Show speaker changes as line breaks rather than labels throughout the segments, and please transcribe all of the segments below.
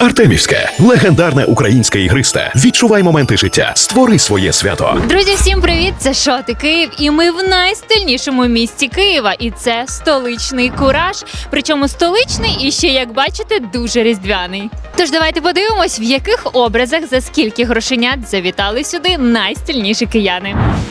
Артемівське – легендарне українське ігристе. Відчувай моменти життя. Створи своє свято.
Друзі, всім привіт! Це Шоти Київ, і ми в найстильнішому місті Києва. І це столичний Кураж. Причому столичний і ще, як бачите, дуже різдвяний. Тож давайте подивимось, в яких образах за скільки грошенят завітали сюди найстильніші кияни.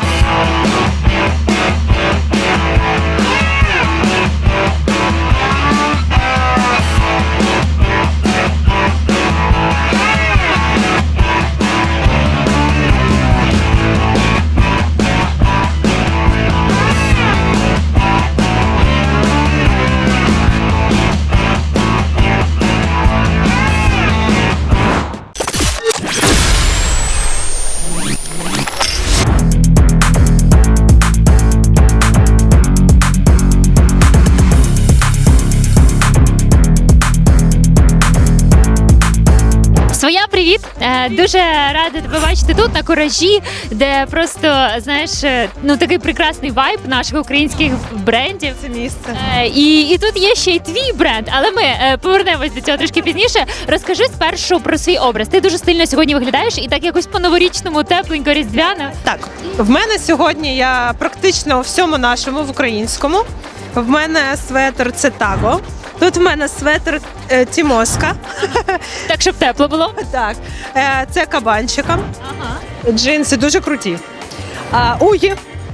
Своя, привіт! Дуже рада тебе бачити тут, на Куражі, де просто, знаєш, ну такий прекрасний вайб наших українських брендів.
Це місце.
І тут є ще й твій бренд, але ми повернемось до цього трошки пізніше. Розкажи спершу про свій образ. Ти дуже стильно сьогодні виглядаєш і так якось по-новорічному, тепленько, різдвяно.
Так, в мене сьогодні я практично у всьому нашому, в українському. В мене светр це Таго. Тут в мене светр Тімоска.
Так, щоб тепло було.
Так, це кабанчиком.
Ага.
Джинси дуже круті. Угі.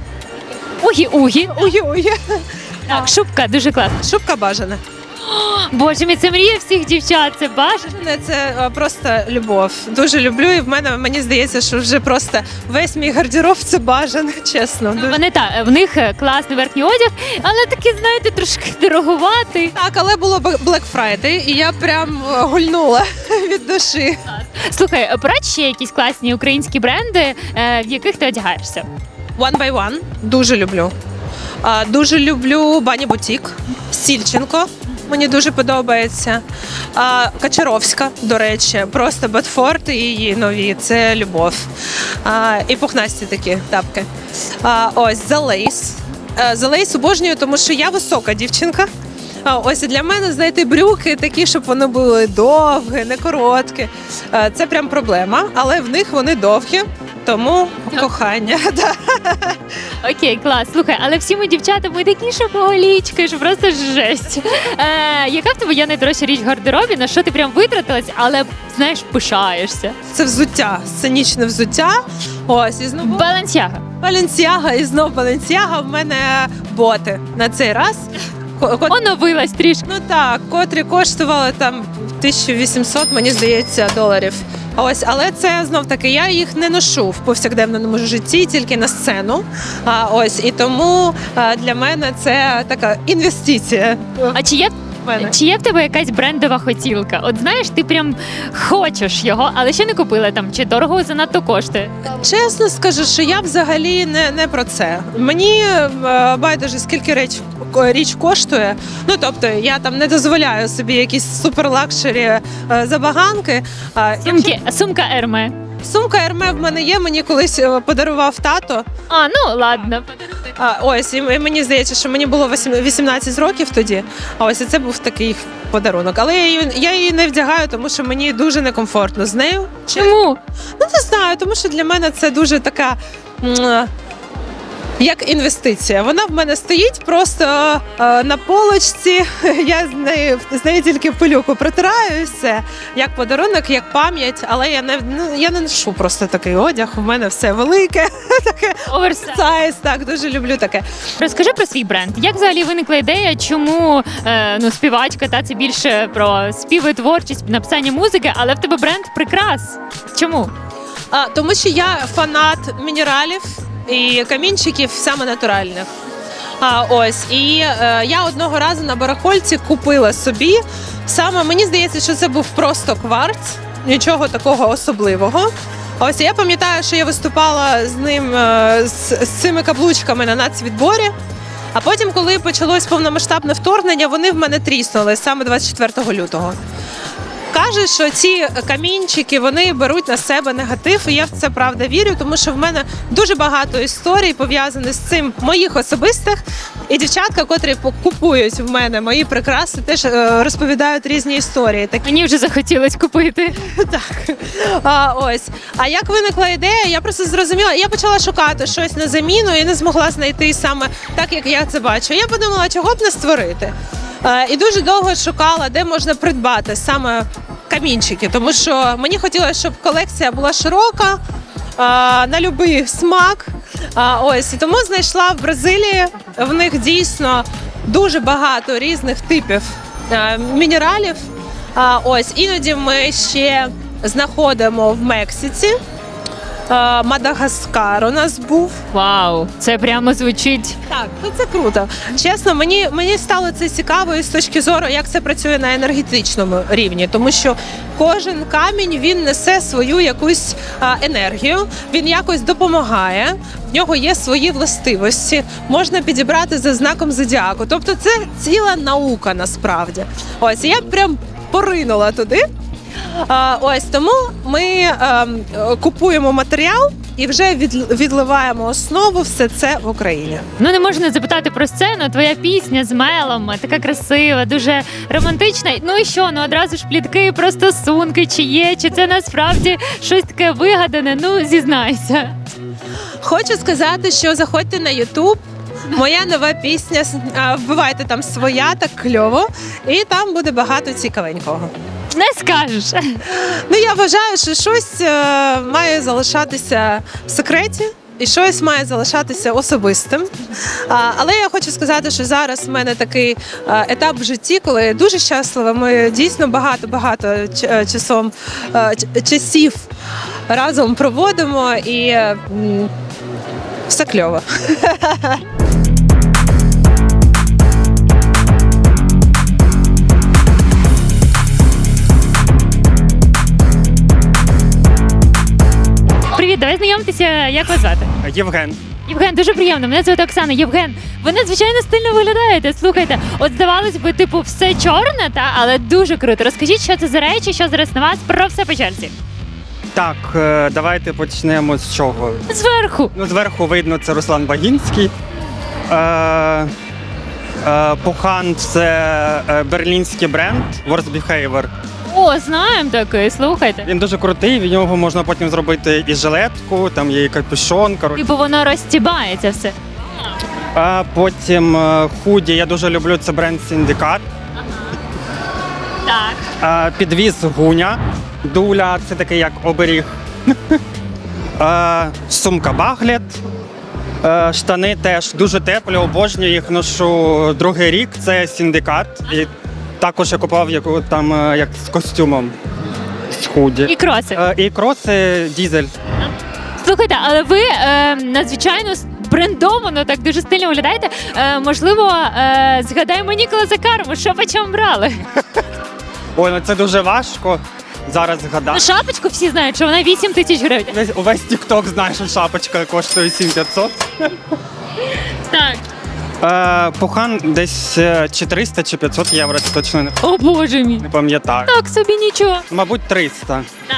Угі-угі.
Угі.
Так, шубка дуже класна.
Шубка бажана.
Боже мій, це мрія всіх дівчат, це бажано.
Це просто любов. Дуже люблю, і мені здається, що вже просто весь мій гардероб це бажано, чесно. Дуже.
Вони в них класний верхній одяг, але такий, знаєте, трошки дороговатий.
Так, але було Black Friday, і я прям гульнула від душі.
Слухай, порадь ще якісь класні українські бренди, в яких ти одягаєшся?
One by One дуже люблю. Дуже люблю Бані Бутік, Сільченко. Мені дуже подобається. Качаровська, до речі, просто Бетфорд і її нові. Це любов. І пухнасті такі тапки. Ось The Lace. The Lace обожнюю, тому що я висока дівчинка. Ось для мене знайти брюки такі, щоб вони були довгі, не короткі. Це прям проблема, але в них вони довгі. Тому кохання.
Окей, клас. Слухай, але всі ми дівчата, ми такі шопоголічки, що просто жесть. Яка в тебе є найдорожча річ в гардеробі, на що ти прям витратилась, але, знаєш, пишаєшся?
Це взуття, сценічне взуття. Ось, і знову
Балансяга.
Баленсіага, і знов Баленсіага. В мене боти на цей раз.
Оновилась трішки.
Ну так, котрі коштували там 1800, мені здається, доларів. Ось, але це знов таки, я їх не ношу в повсякденному житті, тільки на сцену. Ось, і тому для мене це така інвестиція.
А чи є в тебе якась брендова хотілка? От знаєш, ти прям хочеш його, але ще не купила там, чи дорого занадто коштує?
Чесно скажу, що я взагалі не про це. Мені байдуже, скільки річ коштує. Ну, тобто, я там не дозволяю собі якісь суперлакшері забаганки.
Сумка Ерме.
Сумка Ерме в мене є, мені колись подарував тато.
Ну ладно.
Ось, і мені здається, що мені було 18 років тоді. А ось і це був такий подарунок. Але я її не вдягаю, тому що мені дуже некомфортно з нею.
Чому?
Ну, не знаю, тому що для мене це дуже така, як інвестиція. Вона в мене стоїть просто на полочці, я з нею тільки пилюку протираю і все. Як подарунок, як пам'ять, але я не ношу просто такий одяг, у мене все велике, таке оверсайз, так, дуже люблю таке.
Розкажи про свій бренд. Як взагалі виникла ідея, чому співачка, це більше про співи, творчість, написання музики, але в тебе бренд прикрас. Чому?
Тому що я фанат мінералів і камінчиків саме натуральних. Ось, і я одного разу на барахольці купила собі, саме мені здається, що це був просто кварц, нічого такого особливого. Ось, я пам'ятаю, що я виступала з ним, з цими каблучками на нацвідборі, а потім, коли почалось повномасштабне вторгнення, вони в мене тріснули саме 24 лютого. Каже, що ці камінчики вони беруть на себе негатив, і я в це правда вірю, тому що в мене дуже багато історій пов'язаних з цим моїх особистих. І дівчатка, котрі купують в мене мої прикраси, теж розповідають різні історії. Так,
Мені вже захотілось купити.
так. Ось. А як виникла ідея, я просто зрозуміла, я почала шукати щось на заміну і не змогла знайти саме так, як я це бачу. Я подумала, чого б не створити. І дуже довго шукала, де можна придбати саме камінчики, тому що мені хотілося, щоб колекція була широка, на будь-який смак. Ось, і тому знайшла в Бразилії, в них дійсно дуже багато різних типів мінералів. Ось, іноді ми ще знаходимо в Мексиці. Мадагаскар у нас був.
Вау, це прямо звучить.
Так, ну це круто. Чесно, мені стало це цікаво і з точки зору, як це працює на енергетичному рівні, тому що кожен камінь він несе свою якусь енергію, він якось допомагає. В нього є свої властивості, можна підібрати за знаком зодіаку. Тобто це ціла наука насправді. Ось я прям поринула туди. Ось тому ми купуємо матеріал і вже відливаємо основу все це в Україні.
Ну не можна запитати про сцену. Твоя пісня з Мелом така красива, дуже романтична. Ну і що? Ну одразу ж плітки про стосунки, чи є, чи це насправді щось таке вигадане. Ну зізнайся.
Хочу сказати, що заходьте на YouTube. Моя нова пісня, вбивайте там своя, так кльово, і там буде багато цікавенького.
Не скажеш.
Ну я вважаю, що щось має залишатися в секреті. І щось має залишатися особистим. Але я хочу сказати, що зараз в мене такий етап в житті, коли я дуже щаслива. Ми дійсно багато часів разом проводимо і все кльово.
Привіт, давай знайомитися. Як вас звати?
Євген.
Євген, дуже приємно. Мене звати Оксана. Євген, ви надзвичайно стильно виглядаєте. Слухайте, от здавалось би, типу, все чорне, але дуже круто. Розкажіть, що це за речі, що зараз на вас, про все по черзі.
Так, давайте почнемо з чого.
Зверху.
Ну, зверху видно, це Руслан Багінський. Пухан – це берлінський бренд Worst Behavior.
О, знаємо такий, слухайте.
Він дуже крутий, від нього можна потім зробити і жилетку, там є і капюшон.
Типу воно розтібається все.
Потім худі, я дуже люблю, це бренд Синдикат.
Так.
Підвіз Гуня. Дуля – це такий як оберіг. Сумка Баглет. Штани теж дуже теплі, обожнюю їх, ношу другий рік, це Синдикат. І також я купував як з костюмом, з худі.
І кроси.
І кроси Дізель.
Слухайте, але ви надзвичайно брендовано, так дуже стильно виглядаєте. Можливо, згадаємо Ніколаса Карму, що по чому брали?
Ой, ну це дуже важко зараз
Ну,
згадати.
шапочку всі знають, що вона 8 тисяч гривень.
Увесь TikTok знає, що шапочка коштує 7500.
Так.
Пухан десь чи 300, чи 500 євро, це точно
О, боже мій.
не пам'ятаю.
Так собі нічого.
Мабуть, 300.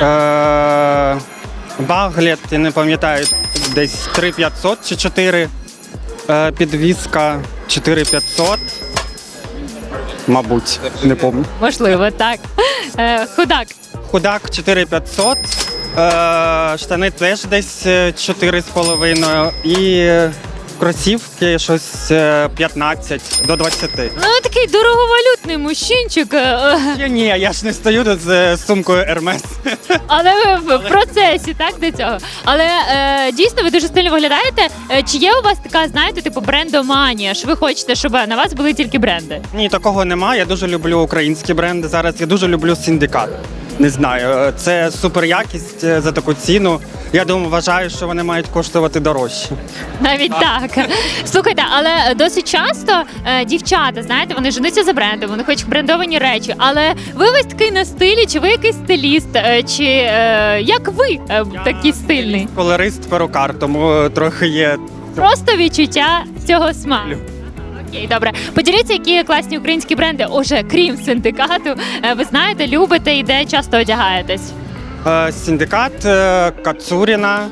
Баглет, я не пам'ятаю, десь 3500 чи 4. Підвізка 4500. Мабуть, не пам'ятаю.
Можливо, так. Худак.
Худак 4500. Штани теж десь 4,5. І кросівки щось 15 до 20.
Ну, такий дороговалютний мужчинчик.
Ні, я ж не стою тут з сумкою Hermes.
Але ви в процесі, так, до цього. Але дійсно ви дуже стильно виглядаєте. Чи є у вас така, знаєте, типу брендоманія, що ви хочете, щоб на вас були тільки бренди?
Ні, такого немає. Я дуже люблю українські бренди. Зараз я дуже люблю Синдикат. Не знаю, це супер якість за таку ціну. Я думаю, вважаю, що вони мають коштувати дорожче.
Навіть так. Слухайте, але досить часто дівчата, знаєте, вони женуться за брендом, вони хочуть брендовані речі. Але ви весь такий на стилі, чи ви якийсь стиліст, чи як ви такий стильний?
Колорист, перукар, тому трохи є.
Просто відчуття цього смаку. Окей, добре. Поділіться, які класні українські бренди, уже крім синдикату, ви знаєте, любите і де часто одягаєтесь.
Синдикат, Кацуріна,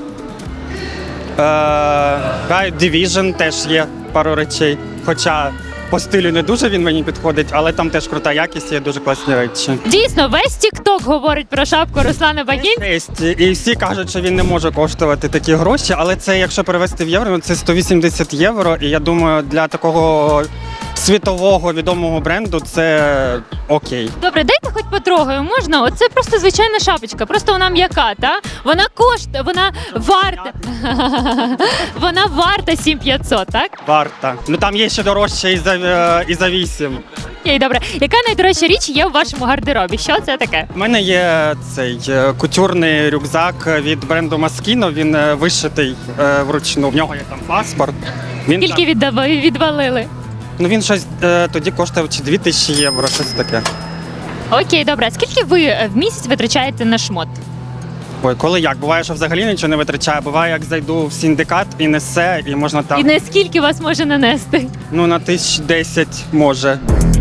Division теж є пару речей. Хоча по стилю не дуже він мені підходить, але там теж крута якість, є дуже класні речі.
Дійсно, весь TikTok говорить про шапку Руслана Багінця.
І всі кажуть, що він не може коштувати такі гроші, але це, якщо перевести в євро, це 180 євро. І я думаю, для такого світового відомого бренду це окей.
Добре, дайте хоч потрогаю, можна? Оце просто звичайна шапочка, просто вона м'яка, та? Вона коштує, вона варта. Вона варта 7500, так?
Варта. Ну там є ще дорожче і за 8.
Окей, добре. Яка найдорожча річ є у вашому гардеробі? Що це таке?
У мене є цей кутюрний рюкзак від бренду Moschino, він вишитий вручну, в нього є там паспорт. Він
Скільки відвалили?
Ну він щось тоді коштував чи 2000 євро, щось таке.
Окей, добре. Скільки ви в місяць витрачаєте на шмот?
Ой, коли як? Буває, що взагалі нічого не витрачаю. Буває, як зайду в синдикат і несе, і можна там,
І наскільки вас може нанести?
ну на 1010 може.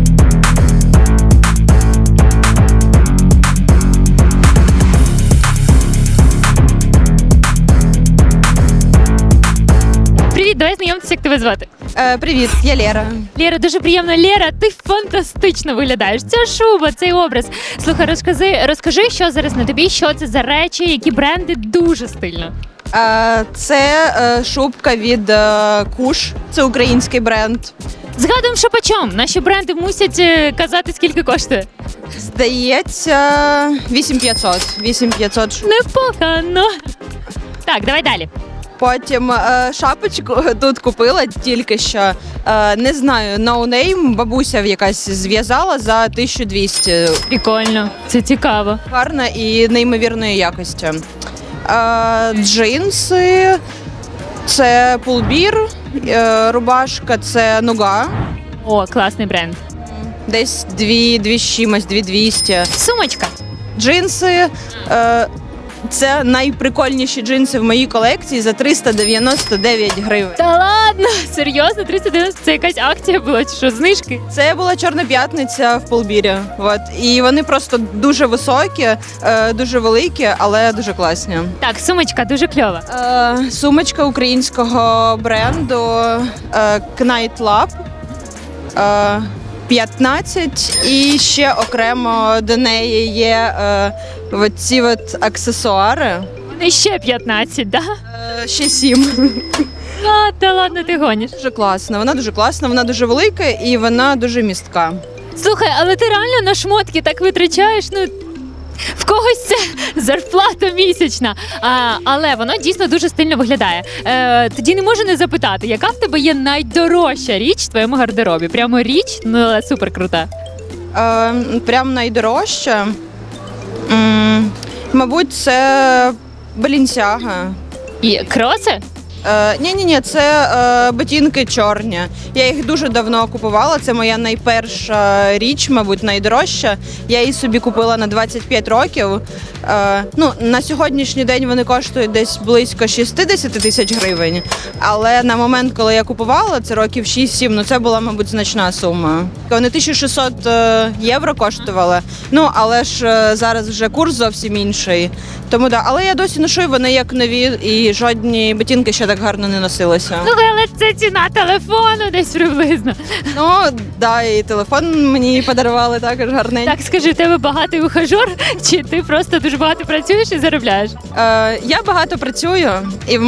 Привіт, давай знайомитися, як тебе звати.
Привіт, я Лера.
Лєра, дуже приємно. Лєра, ти фантастично виглядаєш. Ця шуба, цей образ. Слухай, розкажи, що зараз на тобі, що це за речі, які бренди дуже стильно.
Це шубка від Куш, це український бренд.
Згадуємо, що почом. Наші бренди мусять казати, скільки коштує.
Здається, 8500. 8500.
Непогано. Так, давай далі.
Потім шапочку тут купила тільки що. Не знаю, no name, бабуся якась зв'язала за 1200.
Прикольно, це цікаво.
Гарна і неймовірної якості. Джинси, це пулбір, рубашка, це нуга.
О, класний бренд.
Десь 2 з чимось, 2200.
Сумочка.
Джинси. Це найприкольніші джинси в моїй колекції за 399 гривень.
Та ладно, серйозно, 390, це якась акція була чи що, знижки?
Це була Чорна п'ятниця в Полбірі. От. І вони просто дуже високі, дуже великі, але дуже класні.
Так, сумочка дуже кльова.
Сумочка українського бренду Knight Lab. 15, і ще окремо до неї є ці аксесуари.
Вони ще 15, да?
Ще 7.
А, та ладно, ти гониш.
Дуже класна, вона дуже велика і вона дуже містка.
Слухай, але ти реально на шмотки так витрачаєш, ну. В когось це зарплата місячна, але воно дійсно дуже стильно виглядає. Тоді не можу не запитати, яка в тебе є найдорожча річ в твоєму гардеробі? Прямо річ, ну але супер крута.
Прям найдорожча. Мабуть, це Balenciaga.
І кроси?
Ні, це ботинки чорні. Я їх дуже давно купувала. Це моя найперша річ, мабуть, найдорожча. Я її собі купила на 25 років. На сьогоднішній день вони коштують десь близько 60 тисяч гривень. Але на момент, коли я купувала, це років 6-7, це була, мабуть, значна сума. Вони 1600 євро коштували. Але ж зараз вже курс зовсім інший. Тому да, але я досі ношу, і вони як нові, і жодні ботинки ще так гарно не носилися.
Але це ціна телефону десь приблизно.
І телефон мені подарували також гарненький.
Так, скажи, у тебе багатий ухажор, чи ти просто дуже багато працюєш і заробляєш?
Я багато працюю, і в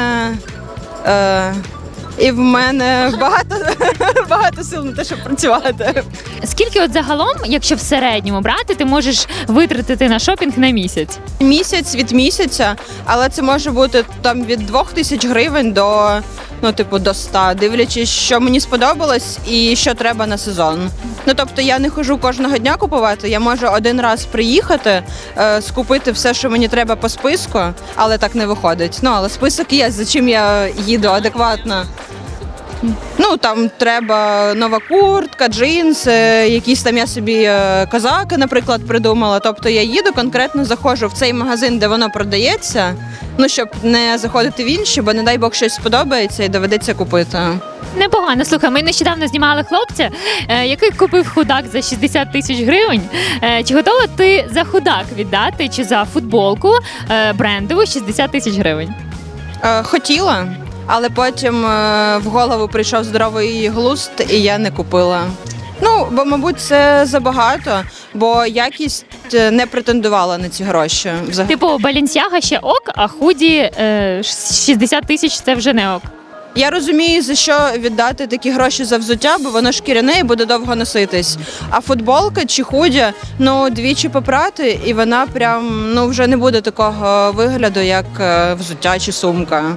мене багато сил на те, щоб працювати.
Скільки от загалом, якщо в середньому брати, ти можеш витратити на шопінг на місяць?
Місяць від місяця, але це може бути там від 2000 гривень до до 100, дивлячись, що мені сподобалось і що треба на сезон. Тобто я не хожу кожного дня купувати, я можу один раз приїхати, скупити все, що мені треба по списку, але так не виходить. Але список є, за чим я їду адекватно. Ну, там треба нова куртка, джинси, якісь там я собі козаки, наприклад, придумала. Тобто я їду, конкретно заходжу в цей магазин, де воно продається, ну, щоб не заходити в інші, бо, не дай Бог, щось сподобається і доведеться купити.
Непогано. Слухай, ми нещодавно знімали хлопця, який купив худак за 60 тисяч гривень. Чи готова ти за худак віддати, чи за футболку брендову 60 тисяч гривень?
Хотіла, але потім в голову прийшов здоровий глузд, і я не купила. Ну, бо, мабуть, це забагато, бо якість не претендувала на ці гроші. Взагалі.
Типу, Балінсяга ще ок, а худі 60 тисяч це вже не ок.
Я розумію, за що віддати такі гроші за взуття, бо воно шкіряне і буде довго носитись. А футболка чи худі, ну, двічі попрати, і вона прям, ну, вже не буде такого вигляду, як взуття чи сумка.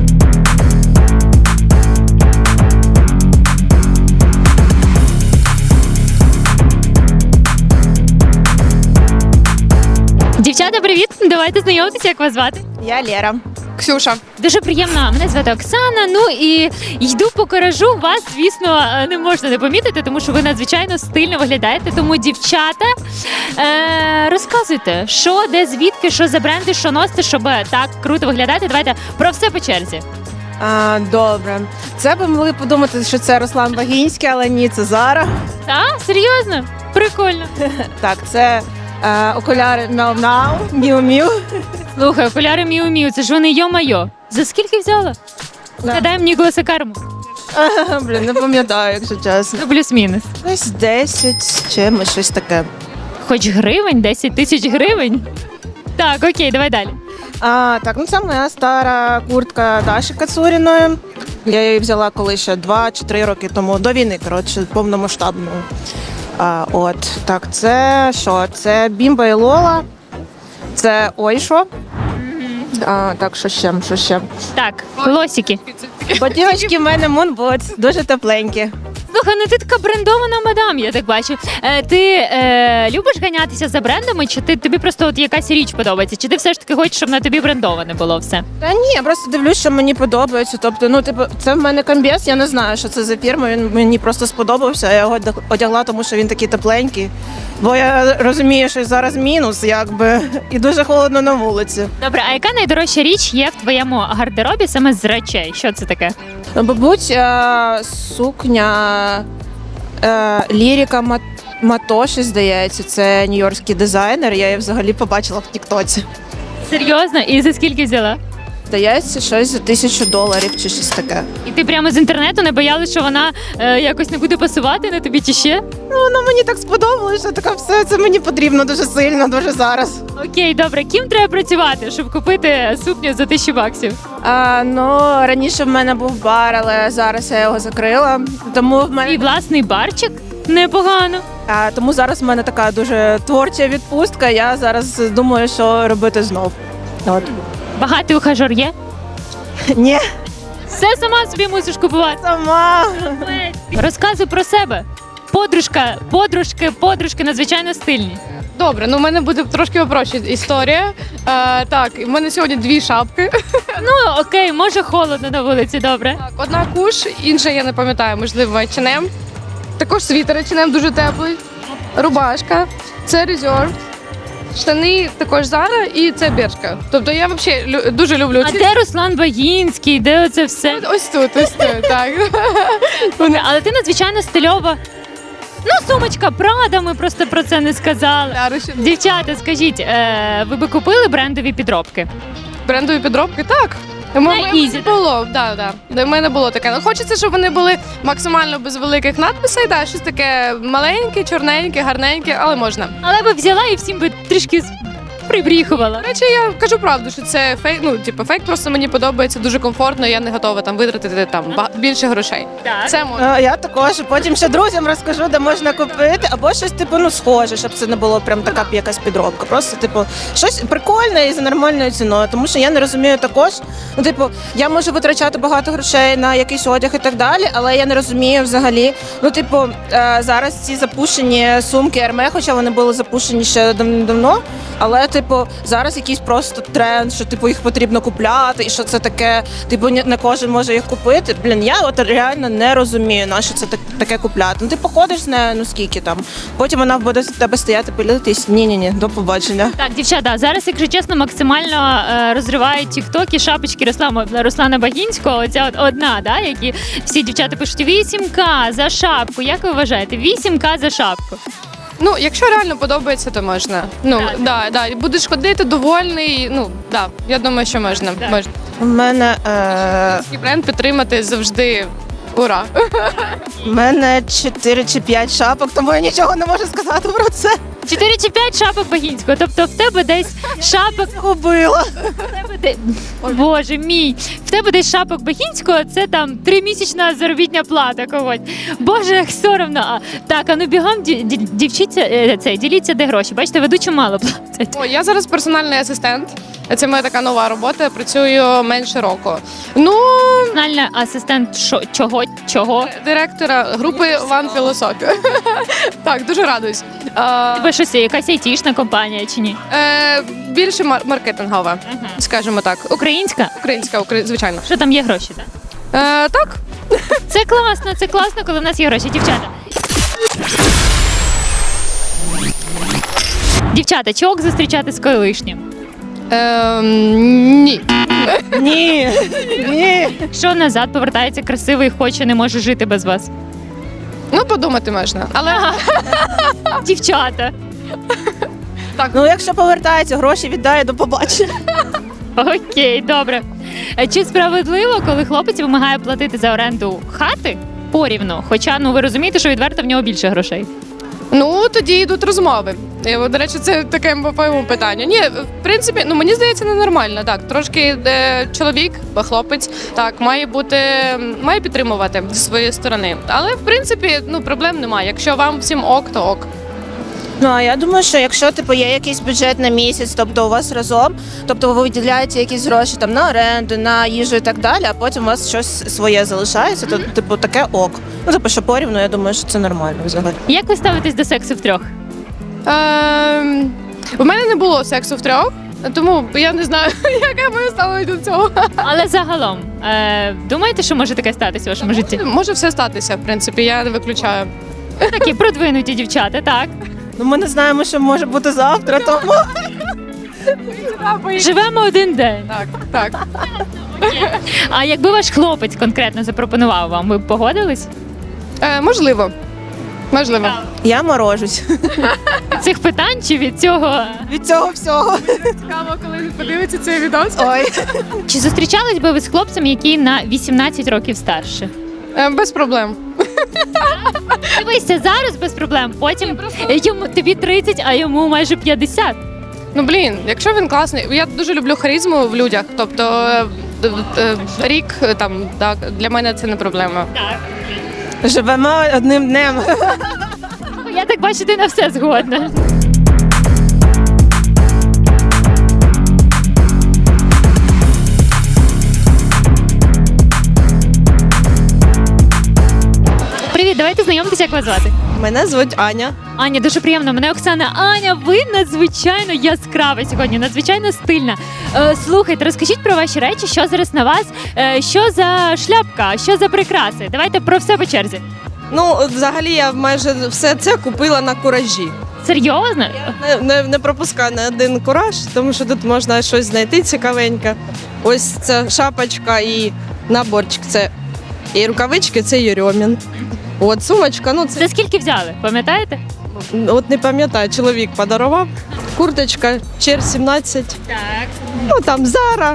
Дівчата, привіт! Давайте знайомитися, як вас звати.
Я Лера.
Ксюша.
Дуже приємно. Мене звати Оксана. Ну і йду по коражу. Вас, звісно, не можна не помітити, тому що ви надзвичайно стильно виглядаєте. Тому, дівчата, розказуйте, що, де, звідки, що за бренди, що носите, щоб так круто виглядати. Давайте про все по черзі.
Добре. Це би могли подумати, що це Руслан Багінський, але ні, це Зара.
А, серйозно? Прикольно.
Так, це окуляри Мяу-Мяу, Міу-Міу.
Слухай, окуляри Міу-Міу, це ж вони йо-майо. За скільки взяла? Нагадаємо Ніколаса Карму.
Блін, не пам'ятаю, якщо чесно.
Ну, плюс-мінус.
Десь 10 з чимось, щось таке.
Хоч гривень, 10 тисяч гривень. Так, окей, давай далі.
Так, ну це моя стара куртка Даші Кацуріної. Я її взяла коли ще 2 чи 3 роки тому, до війни, коротше, повномасштабної. Так, це що? Це Бімба і Лола, це Ойшо. Так, що ще?
Так, лосики.
Ботиночки в мене Moonboots, дуже тепленькі.
Слухай, ну ти така брендована мадам, я так бачу. Ти любиш ганятися за брендами, чи тобі просто от якась річ подобається? Чи ти все ж таки хочеш, щоб на тобі брендоване було все?
Та ні, я просто дивлюсь, що мені подобається. Тобто, ну, типу, це в мене комбез, я не знаю, що це за фірма, він мені просто сподобався, я його одягла, тому що він такий тепленький. Бо я розумію, що зараз мінус, якби, і дуже холодно на вулиці.
Добре, а яка найдорожча річ є в твоєму гардеробі саме з речей? Що це таке?
Мабуть, сукня Ліріка Матоші, здається, це нью-йоркський дизайнер, я її взагалі побачила в Тіктоці.
Серйозно? І за скільки взяла?
Здається, щось за $1000 чи щось таке.
І ти прямо з інтернету не боялась, що вона якось не буде пасувати на тобі чи ще?
Ну, воно мені так сподобалося, що така все, це мені потрібно дуже сильно, дуже зараз.
Окей, добре. Ким треба працювати, щоб купити сукню за $1000?
Ну, раніше в мене був бар, але зараз я його закрила. Тому в
Твій
мене
власний барчик? Непогано.
тому зараз в мене така дуже творча відпустка. Я зараз думаю, що робити знов. От.
Багатий ухажор є?
Ні,
Все сама собі мусиш купувати.
сама.
Розказуй про себе. Подружки надзвичайно стильні.
Добре, ну в мене буде трошки опроща історія. Так, в мене сьогодні 2 шапки.
Ну окей, може холодно на вулиці, добре.
Так, одна куш, інша я не пам'ятаю, можливо, H&M. Також світер H&M дуже теплий. Рубашка, це Reserve. Штани також Zara і це Бершка. Тобто я взагалі дуже люблю
А де Руслан Багінський? Де оце все?
Ось тут, так.
Добре, але ти надзвичайно стильова. Ну, сумочка Прада, ми просто про це не сказали. Дівчата, скажіть, ви би купили брендові підробки?
Брендові підробки, так.
Easy, так?
Було, да. Для мене було таке. Ну, хочеться, щоб вони були максимально без великих надписей, да, щось таке маленьке, чорненьке, гарненьке, але можна.
Але би взяла і всім би трішки прибріхувала.
До речі, я кажу правду, що це фейк. Ну, типу, фейк просто мені подобається дуже комфортно. Я не готова там витратити там більше грошей.
Так.
Це можна.
Я також потім ще друзям розкажу, де можна купити, або щось типу ну схоже, щоб це не було прям така якась підробка. Просто типу щось прикольне і за нормальною ціною. Тому що я не розумію також. Ну, типу, я можу витрачати багато грошей на якийсь одяг і так далі, але я не розумію взагалі. Ну, типу, зараз ці запущені сумки Hermès, хоча вони були запущені ще давно. Але, типу, зараз якийсь просто тренд, що типу їх потрібно купляти, і що це таке, типу, не кожен може їх купити. Блін, я от реально не розумію, на що це таке купляти. Ну ти походиш з нею, ну скільки там. Потім вона буде з тебе стояти, пилитись. Ні, до побачення.
Так, дівчата, зараз, якщо чесно, максимально розривають тіктоки шапочки Руслана Багінського. Оця от одна, да, які всі дівчата пишуть 8К за шапку. Як ви вважаєте? 8К за шапку.
Ну, якщо реально подобається, то можна. Ну, да. Будеш ходити довольний. Ну, да, я думаю, що можна. Можна.
У мене,
І бренд підтримати завжди ура.
у мене 4 чи 5 шапок, тому я нічого не можу сказати про це.
4 чи 5 шапок Багінського. Тобто в тебе десь шапок
Губила.
Боже мій, в тебе десь шапок Багінського, це там 3-місячна заробітня плата когось. Боже, як соромно. Так, а ну бігом діліться, де гроші. Бачите, ведучу мало платять.
О, я зараз персональний асистент. Це моя така нова робота. Я працюю менше року. Ну,
Персональний асистент чого?
директора групи One Philosophy. Так, дуже радуюсь.
Тебе щось, якась айтішна компанія чи ні?
Більше маркетингова, скажімо так.
Українська?
Українська, звичайно.
Що там є гроші, так?
Так.
Це класно, коли в нас є гроші. Дівчата, чи ок зустрічати з колишнім?
Ні.
Ні.
Що назад повертається красивий, хоче, не може жити без вас?
Ну, подумати можна. Але
Дівчата.
Ну, якщо повертається, гроші віддає, до побачення.
Окей, добре. Чи справедливо, коли хлопець вимагає платити за оренду хати порівну? Хоча, ну ви розумієте, що відверто в нього більше грошей.
ну тоді йдуть розмови. І, до речі, це таке по-моєму питання. Ні, в принципі, ну мені здається, ненормально. Так, трошки чоловік, хлопець, так має підтримувати зі своєї сторони. Але в принципі, ну проблем немає. Якщо вам всім ок, то ок.
Ну, а я думаю, що якщо типу є якийсь бюджет на місяць, тобто у вас разом, тобто ви виділяєте якісь гроші там на оренду, на їжу і так далі, а потім у вас щось своє залишається, то типу таке ок. Ну, типу, що порівну, я думаю, що це нормально взагалі.
Як ви ставитесь до сексу втрьох?
У мене не було сексу втрьох, тому я не знаю, яке моє ставлення до цього.
Але загалом, думаєте, що може таке статися в вашому житті?
Може все статися, в принципі, я не виключаю.
Такі продвинуті дівчата, так?
Ну, ми не знаємо, що може бути завтра, тому
Живемо один день.
Так.
А якби ваш хлопець конкретно запропонував вам, ви б погодились?
Можливо.
я морожусь
Від цих питань чи від цього?
від цього всього.
Цікаво, коли він подивиться цей відос.
Ой.
Чи зустрічались би ви з хлопцем, який на 18 років старше?
Без проблем.
Дивися, зараз без проблем, потім тобі 30, а йому майже 50.
Ну блін, якщо він класний, я дуже люблю харизму в людях. Тобто рік там так для мене це не проблема.
Живемо одним днем.
Я так бачу, ти на все згодна. Привіт, давайте знайомитися, як вас звати.
Мене звуть Аня.
Аня, дуже приємно. Мене Оксана. Аня, ви надзвичайно яскрава сьогодні, надзвичайно стильна. Слухайте, розкажіть про ваші речі, що зараз на вас, що за шляпка, що за прикраси. Давайте про все по черзі.
Ну, взагалі, я майже все це купила на куражі.
Серйозно?
Не пропускаю на один кураж, тому що тут можна щось знайти цікавеньке. Ось ця шапочка і наборчик. Це і рукавички, це Єрьомін. От сумочка, ну це
Це скільки взяли, пам'ятаєте?
от не пам'ятаю, чоловік подарував. Курточка, Чер 17.
Так.
Ну там Зара.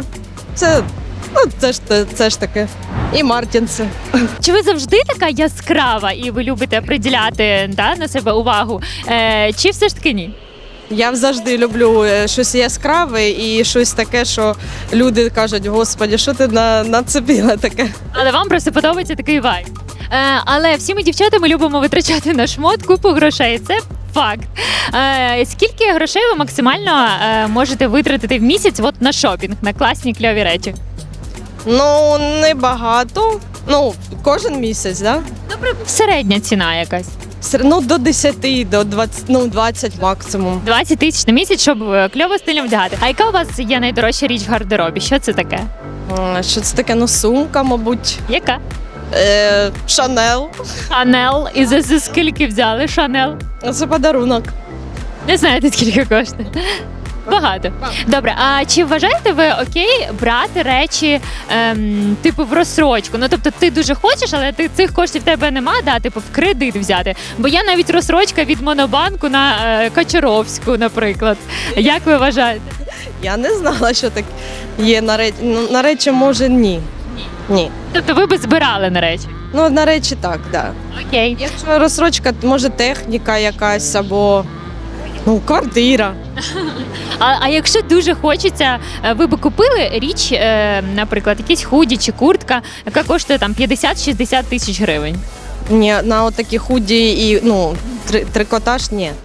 Це ж таке. І Мартінси.
Чи ви завжди така яскрава і ви любите приділяти на себе увагу? Чи все ж таки ні?
Я завжди люблю щось яскраве і щось таке, що люди кажуть, господі, що ти нацепила таке?
Але вам просто подобається такий вайб. Але всі ми дівчата ми любимо витрачати на шмот купу грошей. Це факт. Скільки грошей ви максимально можете витратити в місяць от на шопінг, на класні кльові речі?
Ну, небагато. Ну, кожен місяць, да?
Добре, середня ціна якась.
Ну, до 10, до 20, ну, 20 максимум.
20 тисяч на місяць, щоб кльово стильно вдягати. А яка у вас є найдорожча річ в гардеробі? Що це таке?
Що це таке? Ну, сумка, мабуть.
Яка?
Шанел.
Шанел. І за скільки взяли Шанел?
Це подарунок.
Не знаєте, скільки коштує? Багато. Добре, а чи вважаєте ви окей брати речі типу в розсрочку? Ну тобто ти дуже хочеш, але цих коштів в тебе нема, да, типу в кредит взяти. Бо я навіть розсрочка від Монобанку на Качаровську, наприклад. Як ви вважаєте?
Я не знала, що так є на речі. Ну, на речі, може, ні. Ні.
Тобто ви би збирали на речі?
Ну, на речі, так, да.
Окей.
Якщо розсрочка, може техніка якась або ну, квартира.
А якщо дуже хочеться, ви би купили річ, наприклад, якісь худі чи куртка, яка коштує там 50-60 тисяч гривень?
Ні, на отакі худі і ну, трикотаж ні.